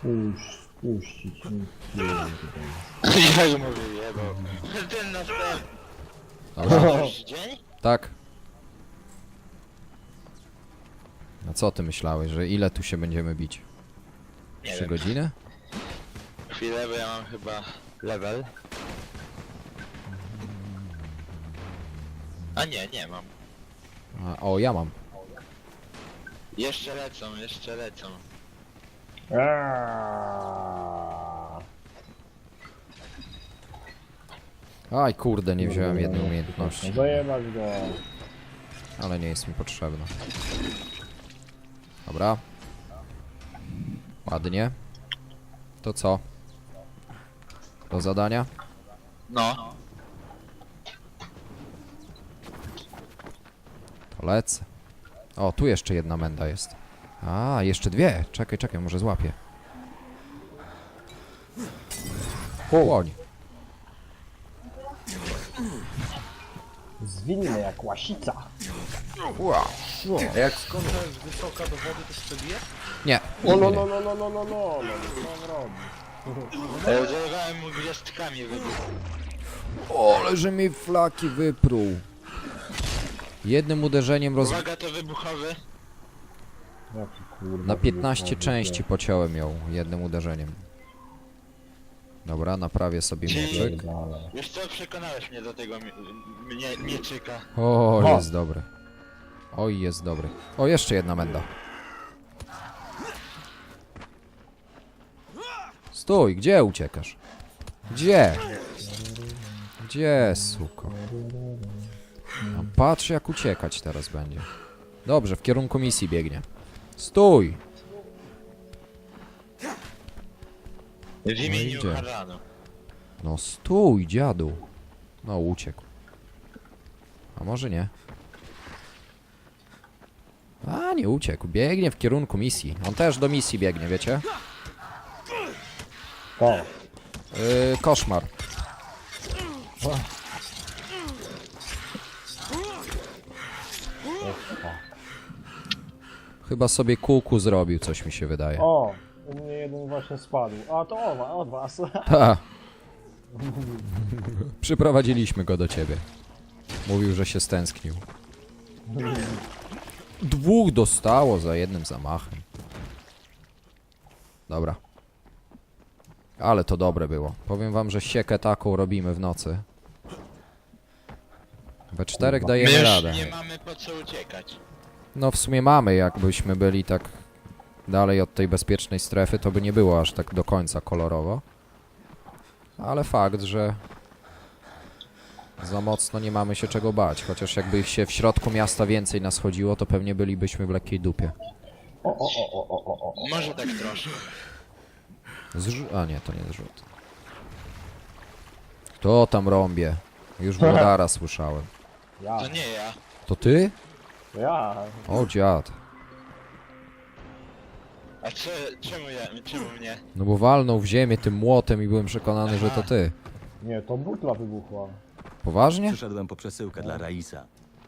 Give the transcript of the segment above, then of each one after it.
Puścić. Jak mówię, jebał. Ten następny. Dobra. Już dzień? Tak. A co ty myślałeś, że ile tu się będziemy bić? Nie 3 wiem. godziny? Chwilę, bo ja mam chyba level. A nie mam. O, ja mam. Jeszcze lecą, jeszcze lecą. Aj kurde, nie wziąłem jednej umiejętności. Zajebać go. Ale nie jest mi potrzebna. Dobra. Ładnie. To co? Do zadania? No. To lecę. O, tu jeszcze jedna menda jest. A, jeszcze dwie. Czekaj, może złapię. Płoń. Zwinny jak łasica. Ua. A jak skoczę z wysoka do wody, to się bije? Nie. O no nie. no no no no no no no co on robi? Zerwałem mu gwiazdkami wybuch. O, ale że mi flaki wypruł. Jednym uderzeniem Uwaga, to wybuchowy. Jaki kurwa. Na 15 części pociąłem ją jednym uderzeniem. Dobra, naprawię sobie mieczyk. Wiesz co, przekonałeś mnie do tego mieczyka. O, jest dobry. Oj, jest dobry. O, jeszcze jedna menda. Stój, gdzie uciekasz? Gdzie? Gdzie, suko? No, patrz jak uciekać teraz będzie. Dobrze, w kierunku misji biegnie. Stój! W imieniu idzie. Haranu. No stój, dziadu. No, uciekł. A może nie? A, nie uciekł. Biegnie w kierunku misji. On też do misji biegnie, wiecie? To. Koszmar. Chyba sobie kuku zrobił, coś mi się wydaje. O, u mnie jeden właśnie spadł. A to od was. Ta. Przyprowadziliśmy go do ciebie. Mówił, że się stęsknił. Dwóch dostało za jednym zamachem. Dobra. Ale to dobre było. Powiem wam, że siekę taką robimy w nocy. We czterech My dajemy już radę. nie mamy po co uciekać. No w sumie mamy, jakbyśmy byli tak dalej od tej bezpiecznej strefy, to by nie było aż tak do końca kolorowo. Ale fakt, że za mocno nie mamy się czego bać. Chociaż jakby ich się w środku miasta więcej nas chodziło, to pewnie bylibyśmy w lekkiej dupie. Może tak troszkę. A nie, to nie zrzut. Kto tam rąbie? Już Włodara słyszałem. Ja, To nie ja. To ty? to ja. O dziad. A czemu mnie? No bo walnął w ziemię tym młotem i byłem przekonany, że to ty. Nie, to butla wybuchła. Poważnie? Przyszedłem po przesyłkę dla Raisa.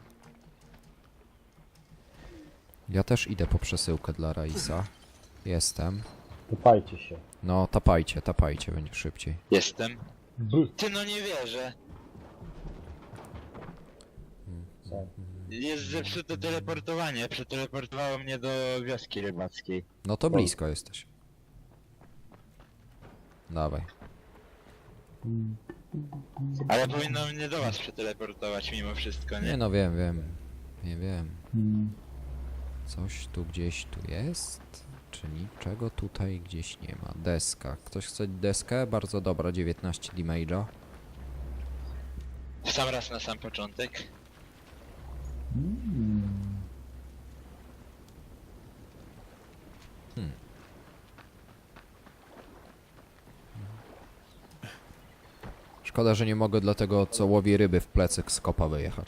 Ja też idę po przesyłkę dla Raisa. Jestem. Pytajcie się. No, tapajcie, będzie szybciej. Jestem. B. Ty no nie wierzę. Co? Jest zepsute teleportowanie. Przeteleportowało mnie do wioski rybackiej. No to blisko jesteś. Dawaj. Ale powinno mnie do was przeteleportować mimo wszystko, Nie nie? no, wiem. Nie wiem. Coś tu gdzieś tu jest? Czy niczego tutaj gdzieś nie ma? Deska. Ktoś chce deskę? Bardzo dobra, 19 damage'a. W sam raz na sam początek. Szkoda, że nie mogę dla tego, co łowi ryby w plecy z kopa wyjechać.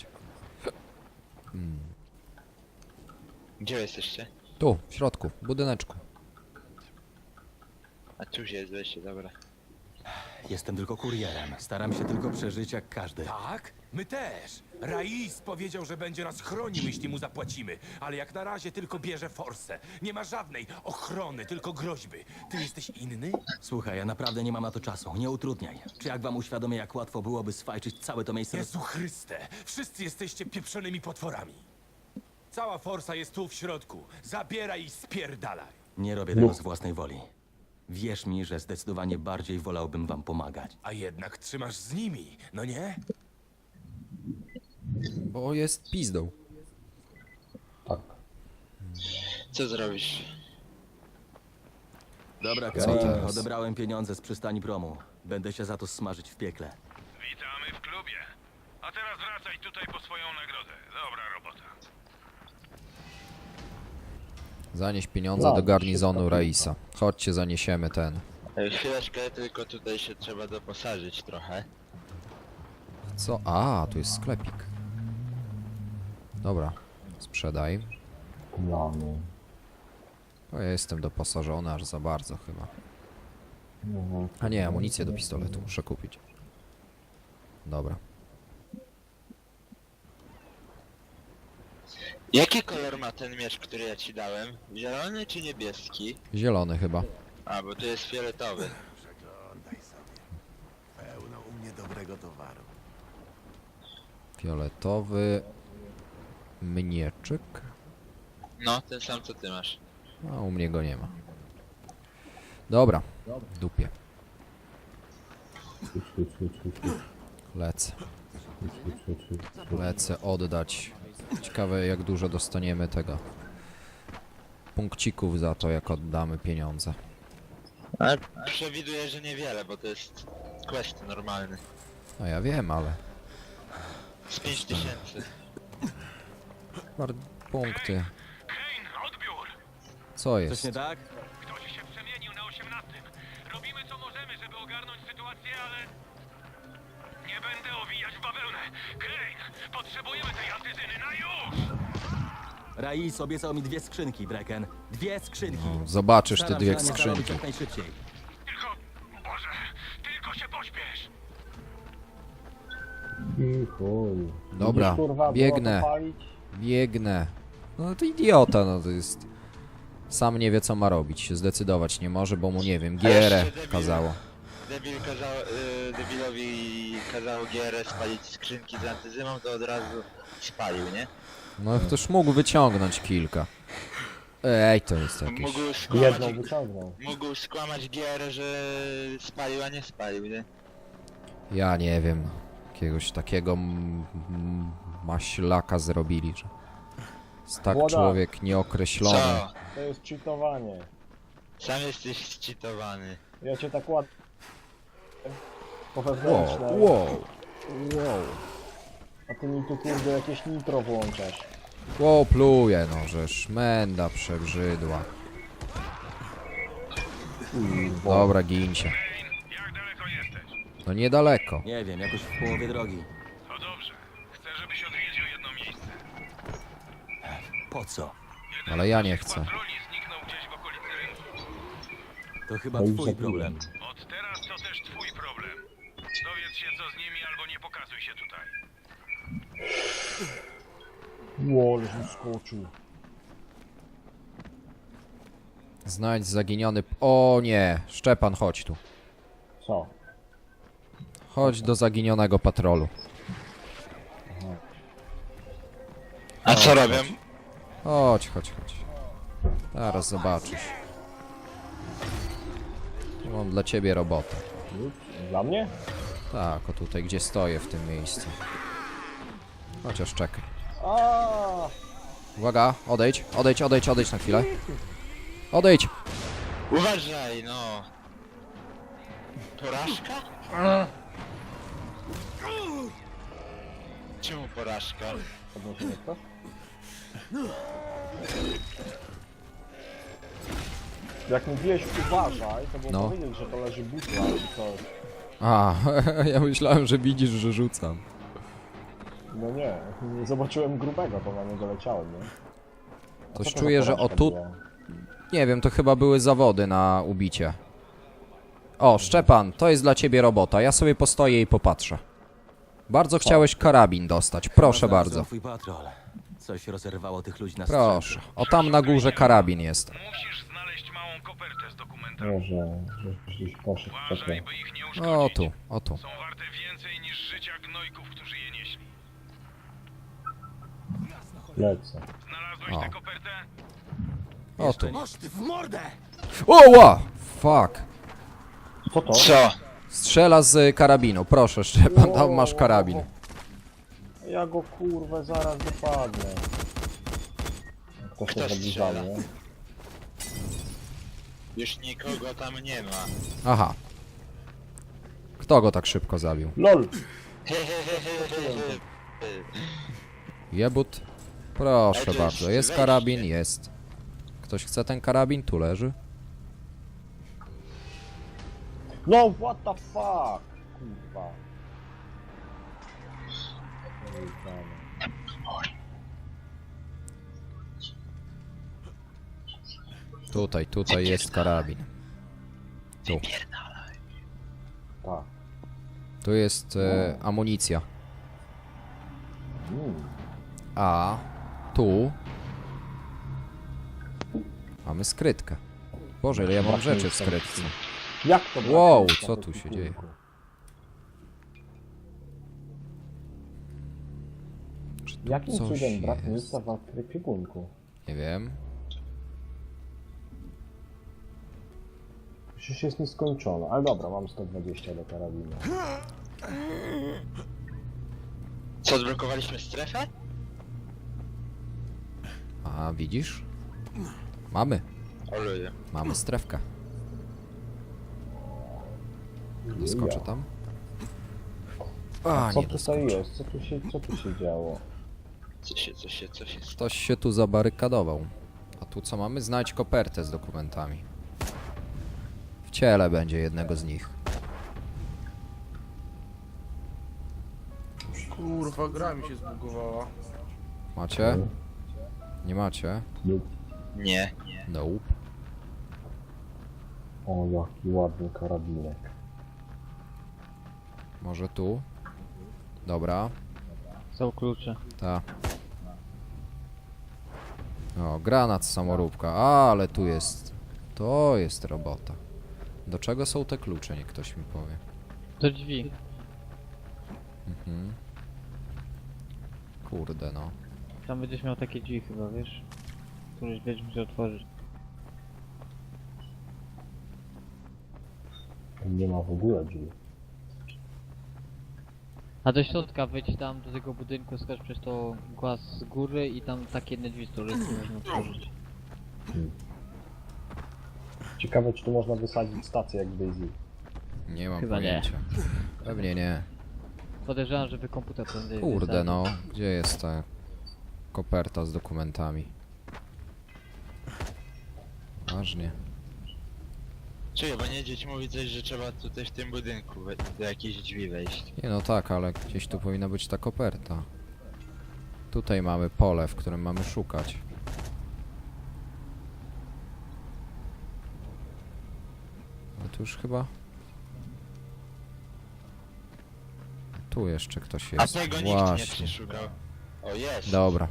Gdzie jesteście? Tu, w środku, w budyneczku. A tu jest wejście, dobra. Jestem tylko kurierem. Staram się tylko przeżyć jak każdy. Tak? My też. Rais powiedział, że będzie nas chronił, jeśli mu zapłacimy. Ale jak na razie tylko bierze forsę. Nie ma żadnej ochrony, tylko groźby. Ty jesteś inny? Słuchaj, ja naprawdę nie mam na to czasu. Nie utrudniaj. Czy jak wam uświadomię, jak łatwo byłoby swajczyć całe to miejsce? Jezu Chryste, wszyscy jesteście pieprzonymi potworami. Cała forsa jest tu w środku. Zabieraj i spierdalaj. Nie robię tego z własnej woli. Wierz mi, że zdecydowanie bardziej wolałbym wam pomagać. A jednak trzymasz z nimi, no nie? Bo jest pizdą. Tak. Co zrobisz? Dobra, Co Kate, teraz? odebrałem pieniądze z przystani promu. Będę się za to smażyć w piekle. Witamy w klubie. A teraz wracaj tutaj po swoją nagrodę. Dobra robota. Zanieś pieniądze do garnizonu Raisa. Chodźcie, zaniesiemy ten. Chwileczkę, tylko tutaj się trzeba doposażyć trochę. Co? A, tu jest sklepik. Dobra, sprzedaj. Dla mnie. O, ja jestem doposażony aż za bardzo chyba. A nie, amunicję do pistoletu muszę kupić. Dobra. Jaki kolor ma ten miecz, który ja ci dałem? Zielony czy niebieski? Zielony chyba. A, bo to jest fioletowy. Przeglądaj sobie. Pełno u mnie dobrego towaru. Fioletowy mnieczyk. No, ten sam co ty masz. A u mnie go nie ma. Dobra, w dupie. Lecę. Lecę oddać. Ciekawe jak dużo dostaniemy tego. Punkcików za to jak oddamy pieniądze. Ale przewiduję, że niewiele, bo to jest quest normalny. No ja wiem, ale... Z 5000. Punkty. Kane, odbiór! Co Coś jest? nie tak? Ktoś się przemienił na 18. Robimy co możemy, żeby ogarnąć sytuację, ale... Nie będę owijać w bawełnę. Kane, potrzebujemy tej antyzyny na już! Rais obiecał mi 2 skrzynki, Brecken. 2 skrzynki. Zobaczysz te Staram 2 się na nie zarobić skrzynki. jak najszybciej. Tylko... Boże, tylko się pośpiesz! I chuj. Dobra, Widzisz, kurwa, biegnę. było to palić? Biegnę. No to idiota, no to jest... Sam nie wie co ma robić, się zdecydować nie może, bo mu nie wiem, gierę kazało. Debilowi kazało GR spalić skrzynki z antyzymą, to od razu spalił, nie? No ktoś mógł wyciągnąć kilka. Ej, to jest jakieś... Jedną wyciągnął. Mógł skłamać GR, że spalił, a nie spalił, nie? Ja nie wiem. Jakiegoś takiego maślaka zrobili, że... Jest tak Młoda. człowiek nieokreślony. Co? To jest cheatowanie. Sam jesteś zcheatowany. Ja cię tak ładnie... Po Wow, wewnętrznej. wow. Wow. A ty mi tu kurde jakieś nitro włączasz. Wow, pluje, no, że szmenda przebrzydła. Dobra, gincie. Kane, jak daleko jesteś? No niedaleko. Nie wiem, jakoś w połowie drogi. To dobrze. Chcę, żebyś odwiedził jedno miejsce. Po co? Jeden Ale ja z nie naszych chcę. patroli zniknął gdzieś w okolicy rynku. To chyba No i twój zabiłem. problem. Od teraz to też twój problem. Dowiedz się co z nimi albo nie pokazuj się tutaj. Łol, wyskoczył. Znajdź zaginiony... O nie! Szczepan, chodź tu. Co? Chodź do zaginionego patrolu. A co robią? Chodź, chodź, chodź. Zaraz zobaczysz. Mam dla ciebie robotę. Dla mnie? Tak, o tutaj, gdzie stoję w tym miejscu. Chociaż czekaj. A, Uwaga, odejdź, odejdź, odejdź, odejdź na chwilę. Odejdź! Uważaj, no. Porażka? Czemu porażka? podnosi mnie ktoś? Jak mówiłeś uważaj, to było No. powiedzieć, że to leży butla i coś. A, ja myślałem, że widzisz, że rzucam. No nie, zobaczyłem grubego, to na niego leciałem, nie? A Coś co to czuję, za że o porażka tu... była? Nie wiem, to chyba były zawody na ubicie. O, Szczepan, to jest dla ciebie robota. Ja sobie postoję i popatrzę. Bardzo chciałeś karabin dostać. Proszę Znalazłem bardzo. Twój patrol. Coś rozerwało tych ludzi na Proszę. O, tam na górze karabin jest. Musisz znaleźć małą kopertę z dokumentami. Może, żebyś gdzieś poszedł Uważaj, takie. by ich nie O, uszkodzić. tu, o tu. Są warte więcej niż życia gnojków, którzy je nieśli. Lecę. Znalazłeś O. tę kopertę? O tu. Masz ty w mordę! O, ła! Fuck. Co to? Co? Strzela z karabinu. Proszę, Szczepan, tam masz karabin. Ja go kurwę zaraz dopadnę. Ktoś Kto to zbliża strzela? mnie. Już nikogo tam nie ma. Aha. Kto go tak szybko zabił? LOL! Jebut. Proszę Ale to bardzo. jest Jest wejście. karabin? Jest. Ktoś chce ten karabin? Tu leży. No what the fuck! Kurwa. Tutaj jest karabin. Tu. Tak. Tu jest amunicja. A tu mamy skrytkę. Boże, ile ja mam rzeczy w skrytce. Jak to brak Wow, miejsca co w tu się ekwipunku? dzieje? Jakim Coś cudem brak jest. miejsca w ekwipunku? Nie wiem. Przecież jest nieskończone. Ale dobra, mam 120 do karabinu. Co, odblokowaliśmy strefę? A widzisz? Mamy. O ludzie. Mamy strefkę. Doskoczę tam. A, Co nie tutaj doskoczę. jest? Co tu się działo? Co się Ktoś się tu zabarykadował. A tu co mamy? Znajdź kopertę z dokumentami. W ciele będzie jednego z nich. Kurwa, gra mi się zbugowała. Macie? Nie macie? Nie. Nope. O, jaki ładny karabinek. Może tu? Dobra. Są klucze. Ta. O, granat samoróbka. Ale tu jest. To jest robota. Do czego są te klucze? Niech ktoś mi powie. Do drzwi. Mhm. Kurde no. Tam będziesz miał takie drzwi chyba, wiesz? Któreś będziesz musiał otworzyć. Nie ma w ogóle drzwi. A do środka wejdź tam do tego budynku, skocz przez to głaz z góry i tam takie jedne drzwi, z których nie można otworzyć. Ciekawe, czy tu można wysadzić stację jak w Daisy. Nie mam Chyba nie. pojęcia. Pewnie nie. Podejrzewam, żeby komputer prędzej Kurde wysadził. no. Gdzie jest ta koperta z dokumentami? Ważnie. Czuję, bo niedźwiedź mówi coś, że trzeba tutaj w tym budynku do jakiejś drzwi wejść. Nie no tak, ale gdzieś tu powinna być ta koperta. Tutaj mamy pole, w którym mamy szukać. Ale tu już chyba... Tu jeszcze ktoś A jest. tego nikt nie Właśnie. przeszukał. O, jest. Dobra.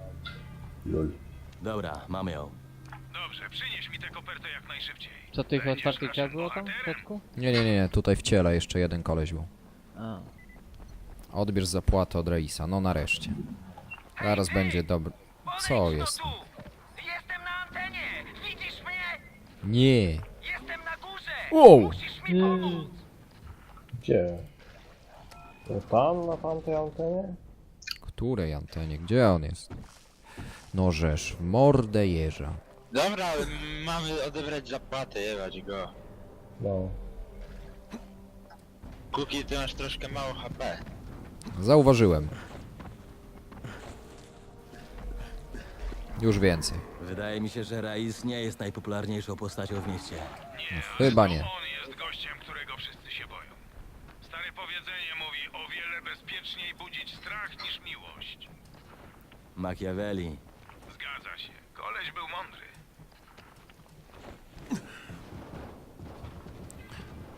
Dobra, mamy ją. Dobrze, przynieś mi tę kopertę jak najszybciej. Co tych Będziesz otwartych drzwi naszym było tam w bohaterem. środku? Nie, tutaj w ciele jeszcze jeden koleś był. A. Odbierz zapłatę od Reisa, no nareszcie. Zaraz będzie dobry. Co jest? Tu! Jestem na antenie! Widzisz mnie? Nie. Jestem na górze! Wow. Musisz mi pomóc! Gdzie? To tam, na tamtej antenie? Której antenie? Gdzie on jest? No żeż, w mordę jeża. Dobra, mamy odebrać zapłatę, jebać go. No. Kuki, ty masz troszkę mało HP. Zauważyłem. Już więcej. Wydaje mi się, że Rais nie jest najpopularniejszą postacią w mieście. Chyba nie. On jest gościem, którego wszyscy się boją. Stare powiedzenie mówi, o wiele bezpieczniej budzić strach niż miłość. Machiavelli. Zgadza się. Koleś był mądry.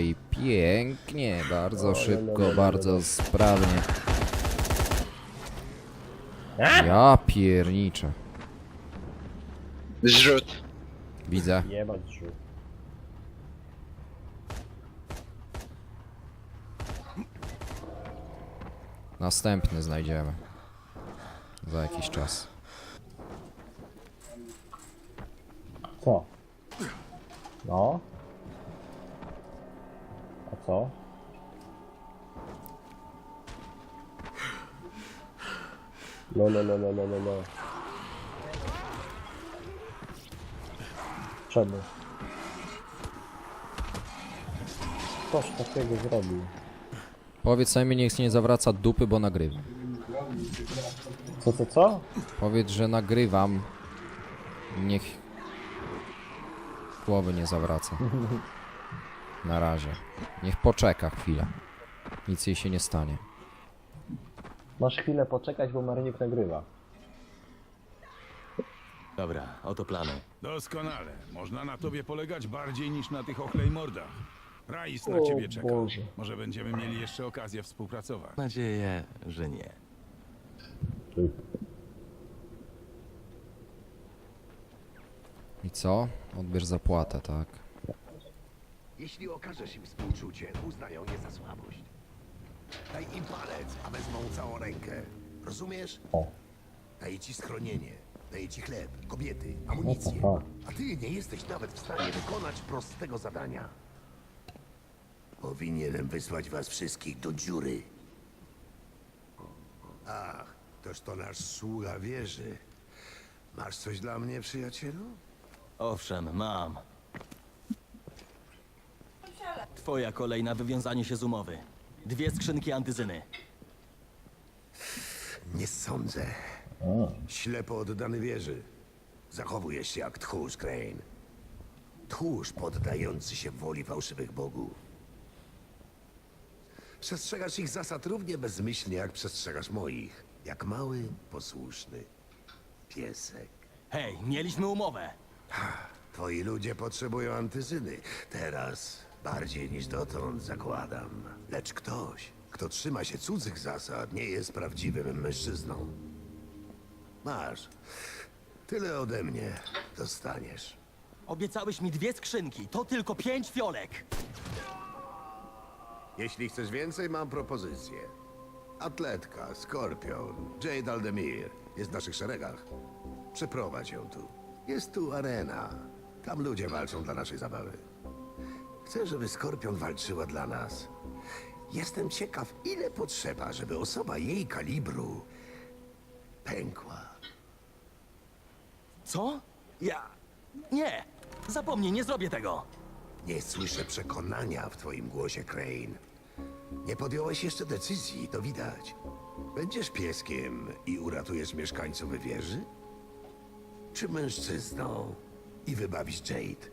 dobrze i pięknie, bardzo szybko, bardzo sprawnie. Ja pierniczę. Zrzut. Widzę. Jebać rzut. Następny znajdziemy. Za jakiś czas. Co? No? A co? Lo. Czemu? Ktoś takiego zrobił. Powiedz mi, niech nie zawraca dupy, bo nagrywam. Co? Powiedz, że nagrywam. Niech głowy nie zawraca. Na razie. Niech poczeka chwilę. Nic jej się nie stanie. Masz chwilę poczekać, bo Marnik nagrywa. Dobra, oto plany. Doskonale. Można na tobie polegać bardziej niż na tych ochlejmordach. Rais na ciebie czeka. Boże. Może będziemy mieli jeszcze okazję współpracować. Mam nadzieję, że nie. I co? Odbierz zapłatę, tak? Jeśli okażesz im współczucie, uznają je za słabość. Daj im palec, a wezmą całą rękę. Rozumiesz? O. Daję ci schronienie, daję ci chleb, kobiety, amunicję. tak. A ty nie jesteś nawet w stanie wykonać prostego zadania. Powinienem wysłać was wszystkich do dziury. Ach, toż to nasz sługa wieży. Masz coś dla mnie, przyjacielu? Owszem, mam. Twoja kolej na wywiązanie się z umowy. 2 skrzynki antyzyny. Nie sądzę. Ślepo oddany wieży. Zachowujesz się jak tchórz, Crane. Tchórz poddający się woli fałszywych bogów. Przestrzegasz ich zasad równie bezmyślnie, jak przestrzegasz moich. Jak mały, posłuszny piesek. Hej, mieliśmy umowę. Twoi ludzie potrzebują antyzyny. Teraz bardziej niż dotąd, zakładam. Lecz ktoś, kto trzyma się cudzych zasad, nie jest prawdziwym mężczyzną. Masz. Tyle ode mnie dostaniesz. Obiecałeś mi 2 skrzynki, to tylko 5 fiolek. Jeśli chcesz więcej, mam propozycję. Atletka, Skorpion, Jade Aldemir jest w naszych szeregach. Przeprowadź ją tu. Jest tu arena. Tam ludzie walczą dla naszej zabawy. Chcę, żeby Skorpion walczyła dla nas. Jestem ciekaw, ile potrzeba, żeby osoba jej kalibru pękła. Co? Nie! Zapomnij, nie zrobię tego! Nie słyszę przekonania w twoim głosie, Crane. Nie podjąłeś jeszcze decyzji, to widać. Będziesz pieskiem i uratujesz mieszkańców wieży? Czy mężczyzną i wybawisz Jade?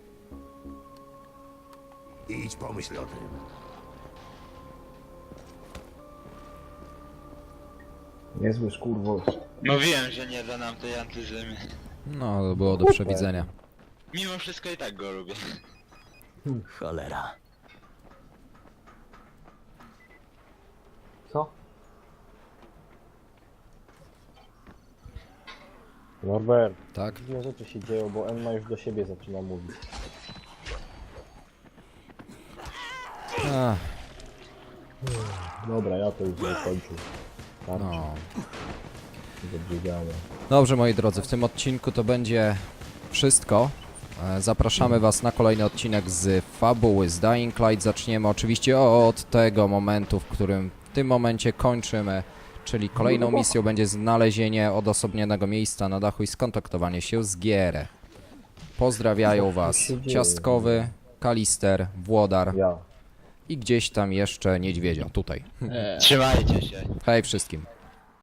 Idź, pomyśl o tym. Niezły skurwol. Mówiłem, że nie da nam tej antyzyny. No, to było do przewidzenia. Mimo wszystko i tak go lubię. Cholera. Co? Norbert, Tak? dziwne rzeczy się dzieją, bo Emma już do siebie zaczyna mówić. Ach, Dobra, ja to już zakończę. Tak, no. Zabrzygało. Dobrze, moi drodzy, w tym odcinku to będzie wszystko. Zapraszamy was na kolejny odcinek z Fabuły z Dying Light. Zaczniemy oczywiście od tego momentu, w którym w tym momencie kończymy, czyli kolejną misją będzie znalezienie odosobnionego miejsca na dachu i skontaktowanie się z Gierę. Pozdrawiają was Ciastkowy, Kalister, Włodar Ja. i gdzieś tam jeszcze Niedźwiedzia, tutaj. Trzymajcie się. Hej wszystkim.